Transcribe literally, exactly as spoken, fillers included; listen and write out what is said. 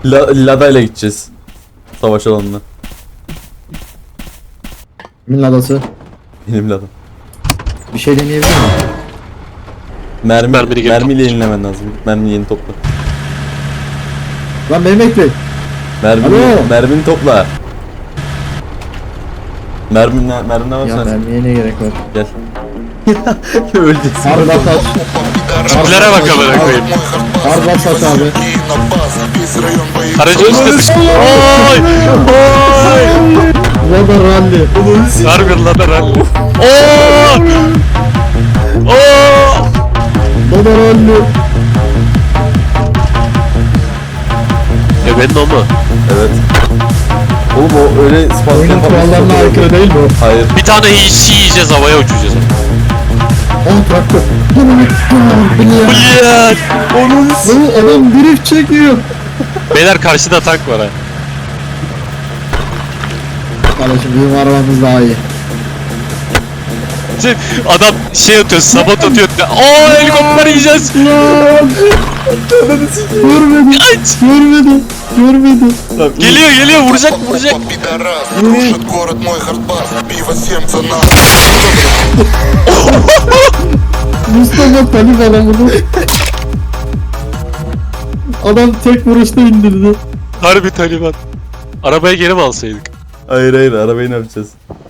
La, Lada ile gideceğiz. Savaş alanına. Kimin ladası? Benim Lada. Bir şey deneyebilir miyim? Mermi, Mermini geri mermiyle topla. yenilemen lazım. Mermini yeni topla. Lan beni bekle. Mermini, Alo. mermini topla. Mermin ne, mermin ne var Ya sen? mermiye ne gerek var? Gel. Öleceğiz. Harbi at at. Tiplere bak amına koyayım. Harbi at at abi. Aracın üstüne Oy! Oy! Lada rally. Harbi lan rally. Oo! Oo! Lada rally. E benim o mu? Evet. Oğlum o öyle spazm Oyunun kurallarına aykırı değil mi o? Hayır. Bir tane hiç yiyeceğiz, havaya uçacağız. On traktör. Ulan! Onun Lan adam drift çekiyor. Beyler karşıda tank var ha. Kardeşim bizim arabamız daha iyi. Şey, adam şey atıyor, sabot atıyor. Oo helikopter yiyeceğiz. Görmedim. Kaç! Görmedim. Görmedim. Geliyor geliyor, vuracak vuracak. Пидорас, крушит город мой хардбас. Пиво семь цена. Mustafa panik adamını. Adam tek vuruşta indirdi. Harbi Taliban. Arabaya geri mi alsaydık? Hayır hayır arabayı ne yapacağız?